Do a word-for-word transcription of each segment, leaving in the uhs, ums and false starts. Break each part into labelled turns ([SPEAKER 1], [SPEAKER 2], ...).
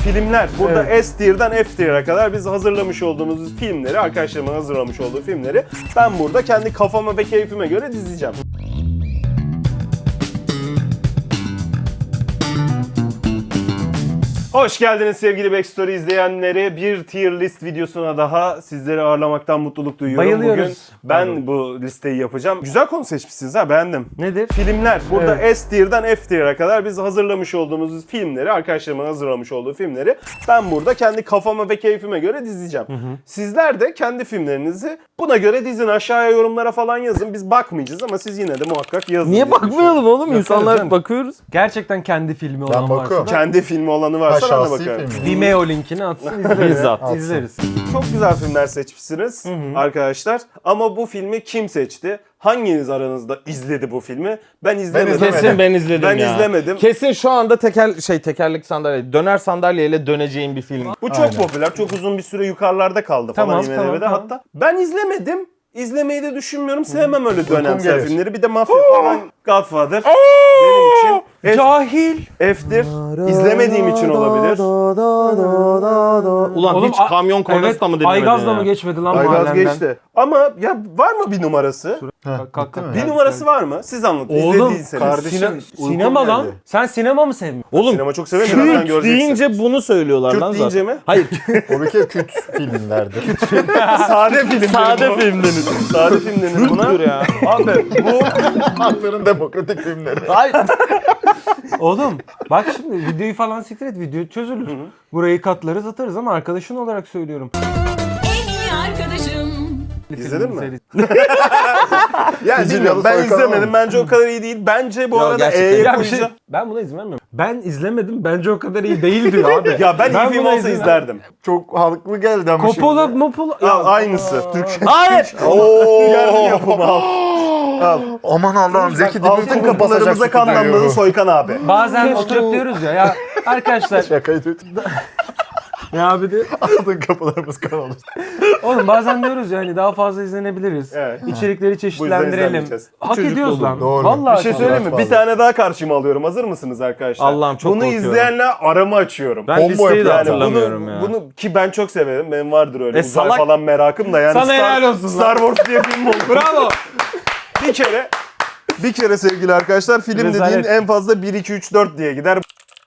[SPEAKER 1] Filmler. Burada evet. S tier'dan F tier'a kadar biz hazırlamış olduğumuz filmleri, arkadaşlarımın hazırlamış olduğu filmleri ben burada kendi kafama ve keyfime göre dizeceğim. Hoş geldiniz sevgili Backstory izleyenleri. Bir tier list videosuna daha sizleri ağırlamaktan mutluluk duyuyorum.
[SPEAKER 2] Bayılıyoruz.
[SPEAKER 1] Bugün ben Pardon. bu listeyi yapacağım. Güzel konu seçmişsiniz ha, beğendim.
[SPEAKER 2] Nedir?
[SPEAKER 1] Filmler. Burada
[SPEAKER 2] Evet.
[SPEAKER 1] S tier'dan F tier'a kadar biz hazırlamış olduğumuz filmleri, arkadaşlarımın hazırlamış olduğu filmleri ben burada kendi kafama ve keyfime göre dizeceğim. Hı hı. Sizler de kendi filmlerinizi buna göre dizin. Aşağıya yorumlara falan yazın. Biz bakmayacağız ama siz yine de muhakkak yazın.
[SPEAKER 2] Niye bakmayalım oğlum? İnsanlar
[SPEAKER 1] canım.
[SPEAKER 2] bakıyoruz. Gerçekten kendi filmi olan varsa.
[SPEAKER 1] Kendi filmi olanı varsa ben de bakarım.
[SPEAKER 2] Vimeo linkini atsın, izleriz.
[SPEAKER 1] Bizzat.
[SPEAKER 2] İzleriz.
[SPEAKER 1] Çok güzel filmler seçmişsiniz hı hı. arkadaşlar. Ama bu filmi kim seçti? Hanginiz aranızda izledi bu filmi? Ben izlemedim.
[SPEAKER 3] Ben Kesin ben izledim
[SPEAKER 1] ben
[SPEAKER 3] ya.
[SPEAKER 1] izlemedim.
[SPEAKER 3] Kesin şu anda teker şey tekerlek sandalye, döner sandalyeyle döneceğim bir film.
[SPEAKER 1] Bu çok Aynen. popüler. Çok uzun bir süre yukarıda kaldı
[SPEAKER 2] tamam,
[SPEAKER 1] falan I M D B'de
[SPEAKER 2] tamam,
[SPEAKER 1] hatta.
[SPEAKER 2] tamam.
[SPEAKER 1] Ben izlemedim. İzlemeyi de düşünmüyorum. Sevmem öyle dönemsel
[SPEAKER 3] gelir.
[SPEAKER 1] filmleri. Bir de mafya falan. Godfather. Benim için. F,
[SPEAKER 2] Cahil.
[SPEAKER 1] F'tir. İzlemediğim için olabilir.
[SPEAKER 3] Ulan
[SPEAKER 2] Oğlum,
[SPEAKER 3] hiç kamyon kornası
[SPEAKER 2] evet,
[SPEAKER 3] da mı dinlemedin
[SPEAKER 2] Aygaz'da
[SPEAKER 3] ya?
[SPEAKER 2] mı geçmedi lan
[SPEAKER 1] Aygaz
[SPEAKER 2] mahallenden?
[SPEAKER 1] geçti. Ama ya var mı bir numarası?
[SPEAKER 2] Kalk, kalk, kalk.
[SPEAKER 1] Bir numarası var mı? Siz anlatın.
[SPEAKER 2] Oğlum,
[SPEAKER 1] İzlediyseniz.
[SPEAKER 2] kardeşim,
[SPEAKER 1] Uykum
[SPEAKER 2] sinema lan.
[SPEAKER 1] geldi.
[SPEAKER 2] Sen sinema mı sevmiyorsun?
[SPEAKER 3] Oğlum
[SPEAKER 1] Sinema çok severim. Birazdan
[SPEAKER 3] Kürt
[SPEAKER 1] göreceksin.
[SPEAKER 3] deyince bunu söylüyorlar
[SPEAKER 1] Kürt
[SPEAKER 3] lan zaten.
[SPEAKER 1] deyince mi?
[SPEAKER 3] Hayır.
[SPEAKER 4] O bir kere Kürt filmlerdir.
[SPEAKER 1] Sade film.
[SPEAKER 3] Sade film denir.
[SPEAKER 1] Sade film denir buna.
[SPEAKER 3] Kürttür ya.
[SPEAKER 1] Abi bu
[SPEAKER 4] Halkların demokratik filmleri.
[SPEAKER 3] Hayır.
[SPEAKER 2] Oğlum bak şimdi videoyu falan siktir et, video çözülür. Burayı katlarız atarız ama arkadaşın olarak söylüyorum.
[SPEAKER 5] En iyi arkadaşım.
[SPEAKER 1] İzledin mi?
[SPEAKER 2] Serisi.
[SPEAKER 1] yani
[SPEAKER 4] Sicilyalı
[SPEAKER 1] bilmiyorum, ben
[SPEAKER 4] soykan
[SPEAKER 1] izlemedim.
[SPEAKER 4] olmuş.
[SPEAKER 1] Bence o kadar iyi değil. Bence bu
[SPEAKER 3] Ya
[SPEAKER 1] arada
[SPEAKER 3] gerçekten.
[SPEAKER 1] E'ye
[SPEAKER 2] Ya bir şey,
[SPEAKER 1] koyacağım.
[SPEAKER 2] ben buna izin vermiyorum. Ben izlemedim, bence o kadar iyi değil diyor abi.
[SPEAKER 1] Ya ben, iyi film
[SPEAKER 2] buna
[SPEAKER 1] olsa
[SPEAKER 2] izin
[SPEAKER 1] izlerdim.
[SPEAKER 4] Çok halklı geldi ama
[SPEAKER 2] Coppola,
[SPEAKER 4] şimdi.
[SPEAKER 2] Mopola.
[SPEAKER 1] Al, aynısı. Türkçe.
[SPEAKER 3] Hayır.
[SPEAKER 1] Yerli yapımı al. Al.
[SPEAKER 4] Aman Allah'ım Zeki
[SPEAKER 1] Altın
[SPEAKER 4] Demirkubuz
[SPEAKER 1] kapılarımıza
[SPEAKER 4] basacak
[SPEAKER 1] kanlanmadı
[SPEAKER 4] stüdyoyu.
[SPEAKER 1] Soykan abi.
[SPEAKER 2] Bazen oturup diyoruz ya, ya arkadaşlar
[SPEAKER 4] Şakayı tut.
[SPEAKER 2] ya abi de
[SPEAKER 4] Altın kapılarımız kanalı.
[SPEAKER 2] oğlum bazen diyoruz ya hani daha fazla izlenebiliriz.
[SPEAKER 1] Evet.
[SPEAKER 2] İçerikleri çeşitlendirelim.
[SPEAKER 1] izlenmeyeceğiz.
[SPEAKER 2] Hak
[SPEAKER 3] Çocuk
[SPEAKER 2] ediyoruz
[SPEAKER 3] dolu.
[SPEAKER 2] lan.
[SPEAKER 4] Doğru.
[SPEAKER 2] Vallahi
[SPEAKER 1] Bir şey
[SPEAKER 2] hak
[SPEAKER 1] söyleyeyim mi?
[SPEAKER 4] fazla.
[SPEAKER 1] Bir tane daha karşıma alıyorum. Hazır mısınız arkadaşlar?
[SPEAKER 3] Allah'ım çok
[SPEAKER 1] Bunu
[SPEAKER 3] korkuyorum.
[SPEAKER 1] izleyenle aramı açıyorum.
[SPEAKER 3] Ben
[SPEAKER 4] Combo
[SPEAKER 3] listeyi de
[SPEAKER 4] yapıyor yani.
[SPEAKER 3] hatırlamıyorum
[SPEAKER 1] bunu,
[SPEAKER 3] ya.
[SPEAKER 1] Bunu ki ben çok severim. Benim vardır öyle
[SPEAKER 3] E,
[SPEAKER 1] uzay
[SPEAKER 3] salak-
[SPEAKER 1] falan merakım da yani
[SPEAKER 2] Sana
[SPEAKER 1] Star,
[SPEAKER 2] helal olsun
[SPEAKER 1] Star
[SPEAKER 2] lan.
[SPEAKER 1] Wars diye film oldu.
[SPEAKER 2] Bravo.
[SPEAKER 1] Bir kere bir kere sevgili arkadaşlar film
[SPEAKER 2] Rezalet.
[SPEAKER 1] dediğin en fazla bir iki üç dört diye gider.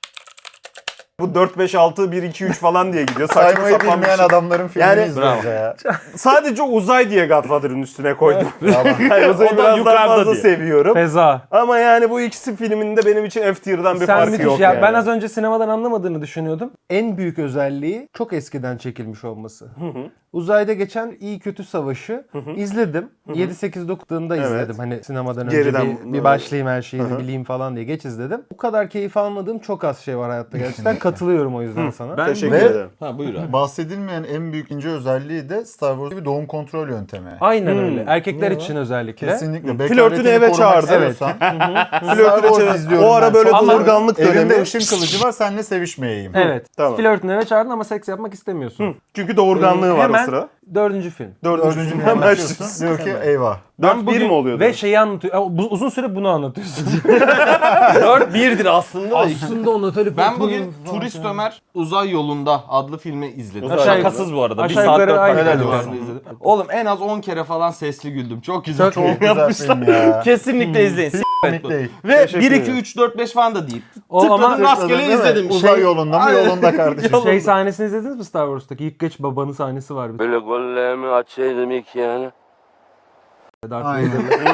[SPEAKER 1] Bu dört beş altı bir iki üç falan diye gidiyor. Saçma
[SPEAKER 4] Saymayı
[SPEAKER 1] sapan bir
[SPEAKER 4] bilmeyen
[SPEAKER 1] şey.
[SPEAKER 4] adamların filmini
[SPEAKER 1] Yani-
[SPEAKER 4] izliyoruz ya.
[SPEAKER 1] Sadece uzay diye Godfather'ın üstüne koydum. yani uzayı
[SPEAKER 3] O da
[SPEAKER 1] biraz daha
[SPEAKER 3] yukarıda
[SPEAKER 1] fazla
[SPEAKER 3] diye.
[SPEAKER 1] seviyorum.
[SPEAKER 2] Feza.
[SPEAKER 1] Ama yani bu ikisi filminde benim için F tier'dan bir
[SPEAKER 2] Sen
[SPEAKER 1] farkı
[SPEAKER 2] müthiş
[SPEAKER 1] yok
[SPEAKER 2] ya.
[SPEAKER 1] yani.
[SPEAKER 2] Ben az önce sinemadan anlamadığını düşünüyordum. En büyük özelliği çok eskiden çekilmiş olması. Uzayda geçen iyi kötü savaşı izledim. yedi sekiz dokuzda
[SPEAKER 1] Evet.
[SPEAKER 2] izledim. Hani sinemadan önce
[SPEAKER 1] Geriden-
[SPEAKER 2] bir, bir başlayayım her şeyini bileyim falan diye geç izledim. Bu kadar keyif almadığım çok az şey var hayatta gerçekten. Katılıyorum o yüzden sana.
[SPEAKER 3] Ben
[SPEAKER 1] Teşekkür
[SPEAKER 4] Ve-
[SPEAKER 1] ederim.
[SPEAKER 3] Ha buyur abi.
[SPEAKER 4] Bahsedilmeyen en büyük ince özelliği de Star Wars gibi doğum kontrol yöntemi.
[SPEAKER 2] Aynen öyle. Erkekler
[SPEAKER 4] Ne
[SPEAKER 2] için özellikle.
[SPEAKER 4] Kesinlikle.
[SPEAKER 1] Flörtünü eve çağırdı.
[SPEAKER 2] Evet.
[SPEAKER 1] Flörtüne
[SPEAKER 4] Wars
[SPEAKER 1] çevir-
[SPEAKER 4] izliyorum
[SPEAKER 1] O ara
[SPEAKER 4] ben
[SPEAKER 1] böyle
[SPEAKER 4] çok.
[SPEAKER 1] doğurganlık
[SPEAKER 4] Evimde
[SPEAKER 1] dönemi.
[SPEAKER 4] ışın kılıcı var, seninle sevişmeyeyim.
[SPEAKER 2] Evet.
[SPEAKER 1] Tamam.
[SPEAKER 2] Flörtünü eve çağırdın ama seks yapmak istemiyorsun.
[SPEAKER 1] Çünkü doğurganlığı
[SPEAKER 2] Ee,
[SPEAKER 1] var
[SPEAKER 2] hemen
[SPEAKER 1] o sıra.
[SPEAKER 2] Dördüncü film.
[SPEAKER 1] Dördüncü
[SPEAKER 4] Dördüncü
[SPEAKER 1] film
[SPEAKER 4] hemen
[SPEAKER 1] hemen
[SPEAKER 4] başlıyorsun. Diyor ki eyvah.
[SPEAKER 1] dört bir mi oluyordu?
[SPEAKER 2] Ve şeyi anlatıyor. Ya, bu- uzun süre bunu anlatıyorsun.
[SPEAKER 3] dört birdir aslında.
[SPEAKER 2] Aslında onu öyle
[SPEAKER 3] Ben bugün Turist Ömer Uzay Yolunda adlı filmi izledim.
[SPEAKER 1] Aşağı
[SPEAKER 3] Şakasız bu arada. Bir
[SPEAKER 2] aşağı
[SPEAKER 3] saat
[SPEAKER 2] yukarı
[SPEAKER 3] dört
[SPEAKER 2] aynı
[SPEAKER 3] dakika
[SPEAKER 4] helal
[SPEAKER 3] civarında
[SPEAKER 4] olsun.
[SPEAKER 3] izledim. Oğlum en az on kere falan sesli güldüm. Çok güzel.
[SPEAKER 2] Çok
[SPEAKER 3] Çok
[SPEAKER 2] iyi.
[SPEAKER 4] Güzel
[SPEAKER 3] yapmışlar.
[SPEAKER 4] film ya.
[SPEAKER 3] Kesinlikle izleyin. S-
[SPEAKER 4] Komik değil.
[SPEAKER 3] Ve
[SPEAKER 1] Teşekkür
[SPEAKER 3] bir iki
[SPEAKER 1] ederim.
[SPEAKER 3] üç dört beş falan da değil.
[SPEAKER 2] O ama
[SPEAKER 3] Tıkladım rastgele
[SPEAKER 4] Değil mi?
[SPEAKER 3] izledim.
[SPEAKER 4] Uzay
[SPEAKER 3] Şey-
[SPEAKER 4] yolunda mı
[SPEAKER 3] Aynen.
[SPEAKER 4] yolunda kardeşim.
[SPEAKER 2] şey sahnesini izlediniz mi Star Wars'taki? İlk geç babanın sahnesi var bir.
[SPEAKER 6] Böyle gollerimi açaydım ilk yani.
[SPEAKER 2] Darth
[SPEAKER 4] Aynen.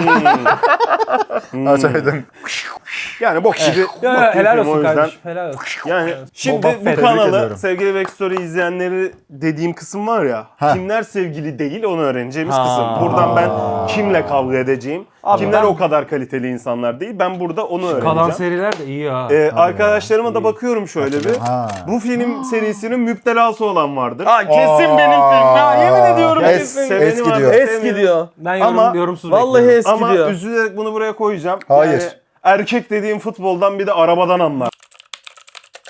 [SPEAKER 1] Hmm.
[SPEAKER 4] Açaydın.
[SPEAKER 1] Yani bok gibi.
[SPEAKER 2] Ya,
[SPEAKER 1] bok
[SPEAKER 2] ya,
[SPEAKER 1] gibi
[SPEAKER 2] helal
[SPEAKER 1] film, o
[SPEAKER 2] olsun
[SPEAKER 1] yüzden.
[SPEAKER 2] kardeşim. Helal olsun.
[SPEAKER 1] Yani şimdi
[SPEAKER 4] Boba
[SPEAKER 1] bu
[SPEAKER 4] Fett.
[SPEAKER 1] kanalı
[SPEAKER 4] Tebrik ediyorum.
[SPEAKER 1] sevgili Backstory izleyenleri dediğim kısım var ya.
[SPEAKER 4] Ha.
[SPEAKER 1] Kimler sevgili değil onu öğreneceğimiz
[SPEAKER 3] Ha.
[SPEAKER 1] kısım. Buradan ben kimle kavga edeceğim.
[SPEAKER 3] Abi
[SPEAKER 1] kimler
[SPEAKER 3] ben-
[SPEAKER 1] o kadar kaliteli insanlar değil. Ben burada onu
[SPEAKER 2] Kalan
[SPEAKER 1] öğreneceğim.
[SPEAKER 2] seriler de iyi ha.
[SPEAKER 1] Ee, arkadaşlarıma da bakıyorum şöyle bir.
[SPEAKER 4] Ha.
[SPEAKER 1] Bu film serisinin müptelası olan vardır.
[SPEAKER 3] Aa, kesin benim film. Ya yemin ediyorum
[SPEAKER 4] Es-
[SPEAKER 3] kesin.
[SPEAKER 1] Seveni
[SPEAKER 4] eski
[SPEAKER 1] var,
[SPEAKER 4] diyor.
[SPEAKER 1] sevmeyeni-
[SPEAKER 3] Eski diyor.
[SPEAKER 2] ben yorum,
[SPEAKER 1] ama
[SPEAKER 2] yorumsuz
[SPEAKER 3] Vallahi
[SPEAKER 2] bekliyorum.
[SPEAKER 3] eski
[SPEAKER 1] Ama
[SPEAKER 3] diyor.
[SPEAKER 1] üzülerek bunu buraya koyacağım.
[SPEAKER 4] Hayır.
[SPEAKER 1] Yani erkek dediğim futboldan bir de arabadan anlar.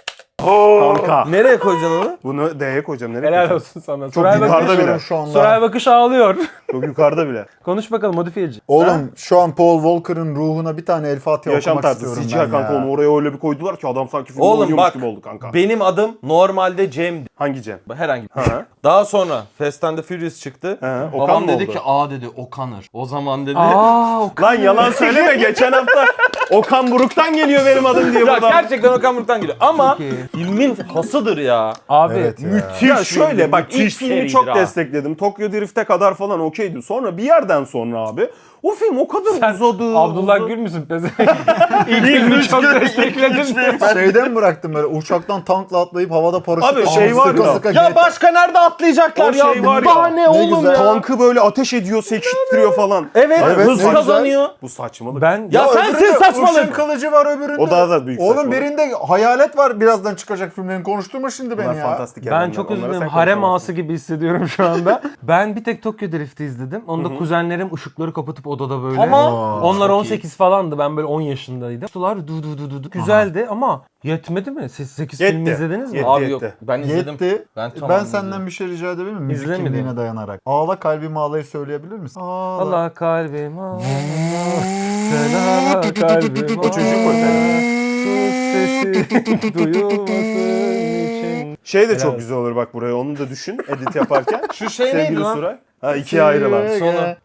[SPEAKER 1] Kanka.
[SPEAKER 3] Nereye koyacaksın onu?
[SPEAKER 1] Bunu D'ye koyacağım. Nereye
[SPEAKER 2] Helal
[SPEAKER 1] koyacağım?
[SPEAKER 2] olsun sana.
[SPEAKER 1] Çok
[SPEAKER 2] Suray
[SPEAKER 1] yukarıda
[SPEAKER 2] Bakış,
[SPEAKER 1] bile.
[SPEAKER 4] Şu anda.
[SPEAKER 2] Suray Bakış ağlıyor.
[SPEAKER 1] Çok yukarıda bile.
[SPEAKER 2] Konuş bakalım modifiyeci.
[SPEAKER 4] Oğlum şu an Paul Walker'ın ruhuna bir tane El Fatiha
[SPEAKER 1] Yaşam
[SPEAKER 4] okumak
[SPEAKER 1] tarzı.
[SPEAKER 4] istiyorum
[SPEAKER 1] C G I
[SPEAKER 4] ben
[SPEAKER 1] kanka
[SPEAKER 4] ya.
[SPEAKER 1] onu oraya öyle bir koydular ki adam sanki filmde
[SPEAKER 3] Oğlum
[SPEAKER 1] oynuyormuş
[SPEAKER 3] bak,
[SPEAKER 1] gibi oldu kanka.
[SPEAKER 3] benim adım normalde Cem'di.
[SPEAKER 1] Hangi Cem?
[SPEAKER 3] Herhangi bir.
[SPEAKER 1] Ha.
[SPEAKER 3] Daha sonra Fast and the Furious çıktı.
[SPEAKER 1] He, Okan
[SPEAKER 3] Babam
[SPEAKER 1] mı
[SPEAKER 3] dedi
[SPEAKER 1] oldu?
[SPEAKER 3] ki aa dedi Okanır. O zaman dedi.
[SPEAKER 2] Aa, o
[SPEAKER 1] Lan yalan söyleme, geçen hafta Okan Buruk'tan geliyor benim adım diye
[SPEAKER 3] Ya
[SPEAKER 1] buradan.
[SPEAKER 3] gerçekten Okan Buruk'tan geliyor. Ama
[SPEAKER 2] Çok iyi.
[SPEAKER 3] filmin hasıdır ya.
[SPEAKER 2] Abi.
[SPEAKER 4] Evet ya.
[SPEAKER 1] Ya şöyle bak, ilk
[SPEAKER 3] müthiş
[SPEAKER 1] filmi
[SPEAKER 3] seridir
[SPEAKER 1] çok
[SPEAKER 3] ha.
[SPEAKER 1] destekledim. Tokyo Drift'e kadar falan okeydi. Sonra bir yerden sonra abi o film o kadar
[SPEAKER 2] Sen
[SPEAKER 1] uzadı.
[SPEAKER 2] Abdullah
[SPEAKER 1] uzadı.
[SPEAKER 2] Gül müsün pezevenk? İlk filmi çok destekledin.
[SPEAKER 4] Şeyden bıraktım böyle uçaktan tankla atlayıp havada paraşütle
[SPEAKER 1] Abi şey var
[SPEAKER 4] sıka
[SPEAKER 1] ya.
[SPEAKER 4] sıka
[SPEAKER 3] Ya
[SPEAKER 4] get-
[SPEAKER 3] başka nerede atlayacaklar
[SPEAKER 1] O
[SPEAKER 3] ya?
[SPEAKER 1] şey var ya.
[SPEAKER 3] Daha ne oğlum
[SPEAKER 4] güzel.
[SPEAKER 3] ya?
[SPEAKER 1] Tankı böyle ateş ediyor, sekiştiriyor falan.
[SPEAKER 3] Evet,
[SPEAKER 4] Evet,
[SPEAKER 3] hız
[SPEAKER 4] ne güzel.
[SPEAKER 3] kazanıyor.
[SPEAKER 1] Bu saçmalık.
[SPEAKER 2] Ben
[SPEAKER 3] Ya sen
[SPEAKER 4] öbüründe
[SPEAKER 3] sen saçmalık.
[SPEAKER 4] Işın kılıcı var öbüründe.
[SPEAKER 1] O daha da büyük
[SPEAKER 4] Oğlum
[SPEAKER 1] saçmalık.
[SPEAKER 4] birinde hayalet var, birazdan çıkacak filmlerin, konuşturma şimdi
[SPEAKER 1] Bunlar
[SPEAKER 4] beni ya.
[SPEAKER 1] fantastik
[SPEAKER 2] ben
[SPEAKER 1] evrenler.
[SPEAKER 2] çok
[SPEAKER 1] Onlara
[SPEAKER 2] üzüldüm.
[SPEAKER 1] sen
[SPEAKER 2] Harem
[SPEAKER 1] konuşamazsın.
[SPEAKER 2] ağası gibi hissediyorum şu anda. Ben bir tek Tokyo Drift'i izledim. Onda kuzenlerim ışıkları kapatıp odada böyle.
[SPEAKER 3] Ama
[SPEAKER 2] Onlar on sekiz falandı. Ben böyle on yaşındaydım. Tutular du du du du du. Güzeldi ama yetmedi mi? Siz sekiz
[SPEAKER 1] Yetti.
[SPEAKER 2] film izlediniz mi?
[SPEAKER 1] Yetti.
[SPEAKER 3] Abi yok, ben izledim.
[SPEAKER 4] Yetti.
[SPEAKER 3] Ben
[SPEAKER 4] Ben,
[SPEAKER 3] tamam
[SPEAKER 4] senden
[SPEAKER 3] izledim.
[SPEAKER 4] bir şey rica edebilir miyim? Müzik
[SPEAKER 2] İzlemedim.
[SPEAKER 4] kimliğine dayanarak. Ağla kalbim ağlayı söyleyebilir misin? Ağla.
[SPEAKER 2] Allah kalbim ağla. Sen ağla kalbim ağla.
[SPEAKER 1] O çocuk o efendim.
[SPEAKER 2] Sus sesi duyulmasın için.
[SPEAKER 1] Şey de
[SPEAKER 2] Helal
[SPEAKER 1] çok
[SPEAKER 2] olsun.
[SPEAKER 1] güzel olur bak, buraya onu da düşün edit yaparken.
[SPEAKER 3] Şu şey
[SPEAKER 1] Sevgili
[SPEAKER 3] neydi lan?
[SPEAKER 1] Suray. Ha, ikiye ayrılan.
[SPEAKER 3] Sonra.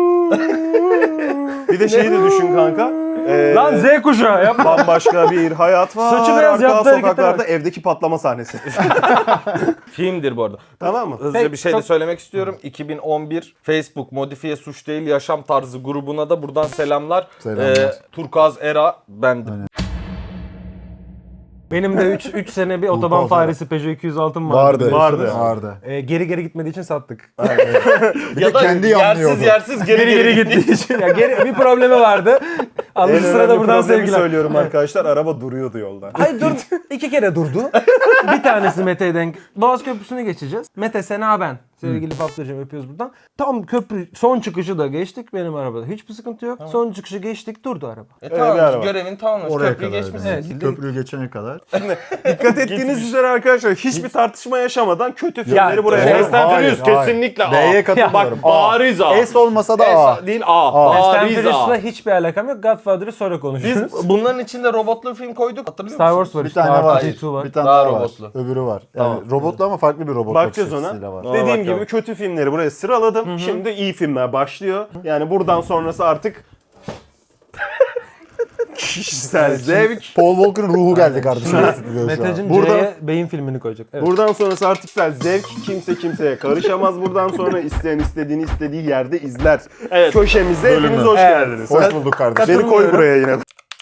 [SPEAKER 1] Bir de şeyi de düşün kanka. Ee,
[SPEAKER 2] Lan Z kuşağı yapma.
[SPEAKER 1] bambaşka bir hayat var.
[SPEAKER 2] Saçı beyaz
[SPEAKER 1] arka
[SPEAKER 2] yaptı harekete
[SPEAKER 1] sokaklarda
[SPEAKER 2] bak.
[SPEAKER 1] evdeki patlama sahnesi.
[SPEAKER 3] Filmdir bu arada.
[SPEAKER 1] Tamam mı?
[SPEAKER 3] Hızlıca
[SPEAKER 2] Peki,
[SPEAKER 3] bir şey de
[SPEAKER 2] çok-
[SPEAKER 3] söylemek istiyorum. iki bin on bir Facebook Modifiye Suç Değil Yaşam Tarzı grubuna da buradan selamlar.
[SPEAKER 4] Selamlar.
[SPEAKER 3] Ee, Turkuaz Era bendim.
[SPEAKER 2] Benim de üç sene bir otoban
[SPEAKER 4] Kafada.
[SPEAKER 2] faresi Peugeot iki yüz altım vardı.
[SPEAKER 4] Vardı.
[SPEAKER 1] Vardı.
[SPEAKER 4] Vardı.
[SPEAKER 2] Ee, geri geri gitmediği için sattık.
[SPEAKER 4] Bir de kendi yanlıyordu.
[SPEAKER 3] yersiz yersiz geri
[SPEAKER 2] geri geri gittiği için. Ya geri, bir problemi vardı.
[SPEAKER 1] En
[SPEAKER 2] Alır sırada
[SPEAKER 1] önemli
[SPEAKER 2] buradan
[SPEAKER 1] problemi
[SPEAKER 2] sevgiler.
[SPEAKER 1] söylüyorum arkadaşlar. Araba duruyordu yolda.
[SPEAKER 2] Hayır dur. İki kere durdu. Bir tanesi Mete'ye denk. Boğaz Köprüsü'nü geçeceğiz. Mete, Sena, ben. Sevgili Paplıcığım, öpüyoruz buradan. Tam köprü son çıkışı da geçtik benim arabada. Hiçbir sıkıntı yok. Son çıkışı geçtik, durdu araba.
[SPEAKER 3] E
[SPEAKER 1] bir
[SPEAKER 3] tamam,
[SPEAKER 1] araba.
[SPEAKER 3] görevin tamamlamış.
[SPEAKER 4] Oraya
[SPEAKER 3] Köprüyü
[SPEAKER 4] kadar.
[SPEAKER 3] geçmişsin.
[SPEAKER 2] Evet.
[SPEAKER 4] Köprüyü geçene kadar.
[SPEAKER 1] Dikkat ettiğiniz üzere arkadaşlar hiçbir tartışma yaşamadan kötü filmleri
[SPEAKER 2] Ya,
[SPEAKER 1] buraya
[SPEAKER 4] Fast
[SPEAKER 1] koyduk.
[SPEAKER 4] and
[SPEAKER 3] Furious
[SPEAKER 4] Hayır, hayır.
[SPEAKER 3] kesinlikle A.
[SPEAKER 4] B'ye katılıyorum.
[SPEAKER 3] Bak bariz A.
[SPEAKER 4] S olmasa da A.
[SPEAKER 3] S değil A.
[SPEAKER 2] Fast and
[SPEAKER 3] Bariz
[SPEAKER 2] Furious'la
[SPEAKER 3] A.
[SPEAKER 2] hiçbir alakam yok. Godfather'ı sonra konuşuruz.
[SPEAKER 3] Biz bunların içinde robotlu film koyduk. Hatırlıyor
[SPEAKER 2] Star
[SPEAKER 3] musun?
[SPEAKER 2] Wars var
[SPEAKER 4] Bir
[SPEAKER 2] işte.
[SPEAKER 4] tane var.
[SPEAKER 2] R iki var.
[SPEAKER 4] Bir tane
[SPEAKER 3] Daha
[SPEAKER 4] daha var.
[SPEAKER 3] robotlu.
[SPEAKER 4] Öbürü var. Yani
[SPEAKER 3] Tamam.
[SPEAKER 4] robotlu ama farklı bir robot
[SPEAKER 1] Bakacağız
[SPEAKER 4] bakış
[SPEAKER 1] ona.
[SPEAKER 4] açısıyla var.
[SPEAKER 1] Dediğim
[SPEAKER 3] bakalım.
[SPEAKER 1] gibi kötü filmleri buraya sıraladım. Şimdi iyi filmler başlıyor. Yani buradan sonrası artık kişisel zevk.
[SPEAKER 4] Paul Walker'ın ruhu geldi kardeşim stüdyoya şu an.
[SPEAKER 2] Meteciğim
[SPEAKER 1] Burada-
[SPEAKER 2] C'ye beyin filmini koyacak. Evet.
[SPEAKER 1] Buradan sonrası artık kişisel zevk. Kimse kimseye karışamaz. Buradan sonra isteyen istediğini istediği yerde izler.
[SPEAKER 3] Evet.
[SPEAKER 1] Köşemize
[SPEAKER 4] Bölümü.
[SPEAKER 1] hepiniz hoş
[SPEAKER 2] Evet.
[SPEAKER 1] geldiniz.
[SPEAKER 4] Hoş bulduk kardeşim.
[SPEAKER 1] Beni koy buraya yine.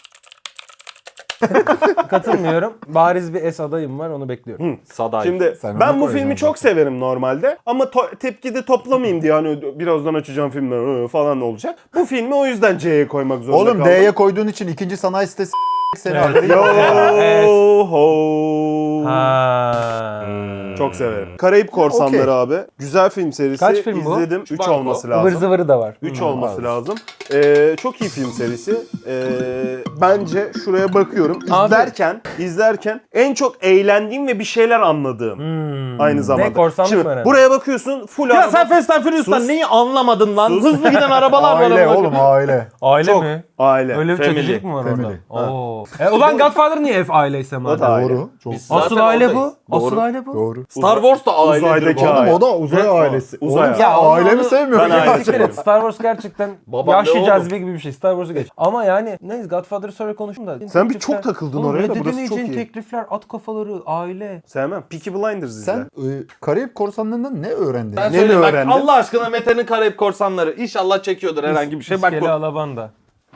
[SPEAKER 2] Katılmıyorum. Bariz bir S adayım var, onu bekliyorum.
[SPEAKER 3] Saday.
[SPEAKER 1] Şimdi
[SPEAKER 4] Sen
[SPEAKER 1] ben
[SPEAKER 4] onu
[SPEAKER 1] bu
[SPEAKER 4] koy
[SPEAKER 1] filmi
[SPEAKER 4] yani
[SPEAKER 1] çok
[SPEAKER 4] zaten.
[SPEAKER 1] severim normalde ama to- tepki de toplamayayım diye hani birazdan açacağım filmler ıı, falan olacak. Bu filmi o yüzden C'ye koymak zorunda
[SPEAKER 4] Oğlum
[SPEAKER 1] kaldım.
[SPEAKER 4] D'ye koyduğun için ikinci sanayi sitesi seni
[SPEAKER 2] Evet.
[SPEAKER 1] Yo
[SPEAKER 2] Evet.
[SPEAKER 1] ho.
[SPEAKER 2] Ha.
[SPEAKER 1] Çok severim. Karayip Korsanları
[SPEAKER 4] Okey.
[SPEAKER 1] abi. Güzel film serisi.
[SPEAKER 2] Kaç film bu?
[SPEAKER 1] İzledim. üç
[SPEAKER 3] Banko.
[SPEAKER 1] olması
[SPEAKER 2] Ivır
[SPEAKER 1] lazım.
[SPEAKER 2] zıvırı da var.
[SPEAKER 1] üç
[SPEAKER 2] Hmm.
[SPEAKER 1] olması
[SPEAKER 4] var.
[SPEAKER 1] lazım. Ee, çok iyi film serisi. Ee, bence şuraya bakıyorum.
[SPEAKER 2] Abi.
[SPEAKER 1] İzlerken, izlerken en çok eğlendiğim ve bir şeyler anladığım.
[SPEAKER 2] Hmm.
[SPEAKER 1] Aynı zamanda.
[SPEAKER 2] Ne, korsanlık
[SPEAKER 1] Şimdi
[SPEAKER 2] mı önemli?
[SPEAKER 1] buraya bakıyorsun full
[SPEAKER 3] Ya
[SPEAKER 1] araba.
[SPEAKER 3] sen Fast and Furious'tan
[SPEAKER 1] Sus.
[SPEAKER 3] neyi anlamadın lan?
[SPEAKER 1] Sus.
[SPEAKER 3] Hızlı giden arabalar var.
[SPEAKER 4] Aile
[SPEAKER 3] amına
[SPEAKER 4] oğlum
[SPEAKER 3] koyayım.
[SPEAKER 4] aile.
[SPEAKER 2] Aile
[SPEAKER 1] Çok.
[SPEAKER 2] mi?
[SPEAKER 1] Aile.
[SPEAKER 2] Öyle bir
[SPEAKER 3] Family.
[SPEAKER 2] çekicilik mi var
[SPEAKER 4] Family.
[SPEAKER 2] orada? Oo. E, ulan Godfather niye F aileyse
[SPEAKER 1] O da
[SPEAKER 2] madem?
[SPEAKER 1] aile.
[SPEAKER 4] Doğru. Çok
[SPEAKER 3] Biz
[SPEAKER 2] Asıl
[SPEAKER 3] zaten
[SPEAKER 2] aile
[SPEAKER 3] oradayız.
[SPEAKER 2] bu. Asıl
[SPEAKER 3] Doğru.
[SPEAKER 2] aile bu.
[SPEAKER 4] doğru.
[SPEAKER 3] Star Wars da ailedir.
[SPEAKER 1] Uzaydaki
[SPEAKER 3] bu arada.
[SPEAKER 1] aile.
[SPEAKER 4] Oğlum o da uzay
[SPEAKER 1] Hı?
[SPEAKER 4] ailesi.
[SPEAKER 1] Uzay
[SPEAKER 4] Oğlum
[SPEAKER 1] aile.
[SPEAKER 4] sen
[SPEAKER 2] Ya onu-
[SPEAKER 4] aile mi
[SPEAKER 2] onu-
[SPEAKER 4] sevmiyorsun?
[SPEAKER 1] Ben
[SPEAKER 4] ya?
[SPEAKER 1] aile
[SPEAKER 2] Siktir et. Star Wars gerçekten
[SPEAKER 3] Babam ne
[SPEAKER 2] yaşlı
[SPEAKER 3] oğlum?
[SPEAKER 2] cazibe gibi bir şey. Star Wars'u geç. Ama yani neyse, Godfather'ı sonra konuşayım da.
[SPEAKER 1] Sen bir
[SPEAKER 2] Teklifler-
[SPEAKER 1] çok takıldın
[SPEAKER 2] Oğlum,
[SPEAKER 1] oraya da, burası
[SPEAKER 2] reddedemeyeceğin
[SPEAKER 1] çok iyi.
[SPEAKER 2] teklifler, at kafaları, aile.
[SPEAKER 1] Sevmem. Peaky Blinders izle.
[SPEAKER 4] Sen e, Karayip Korsanları'ndan ne öğrendin?
[SPEAKER 3] Ben
[SPEAKER 1] Ne
[SPEAKER 3] söyleyeyim bak,
[SPEAKER 1] öğrendin?
[SPEAKER 3] Allah aşkına Mete'nin Karayip Korsanları. İnşallah çekiyordur herhangi bir şey. Bak
[SPEAKER 2] İskele
[SPEAKER 3] bu.
[SPEAKER 2] Alabanda.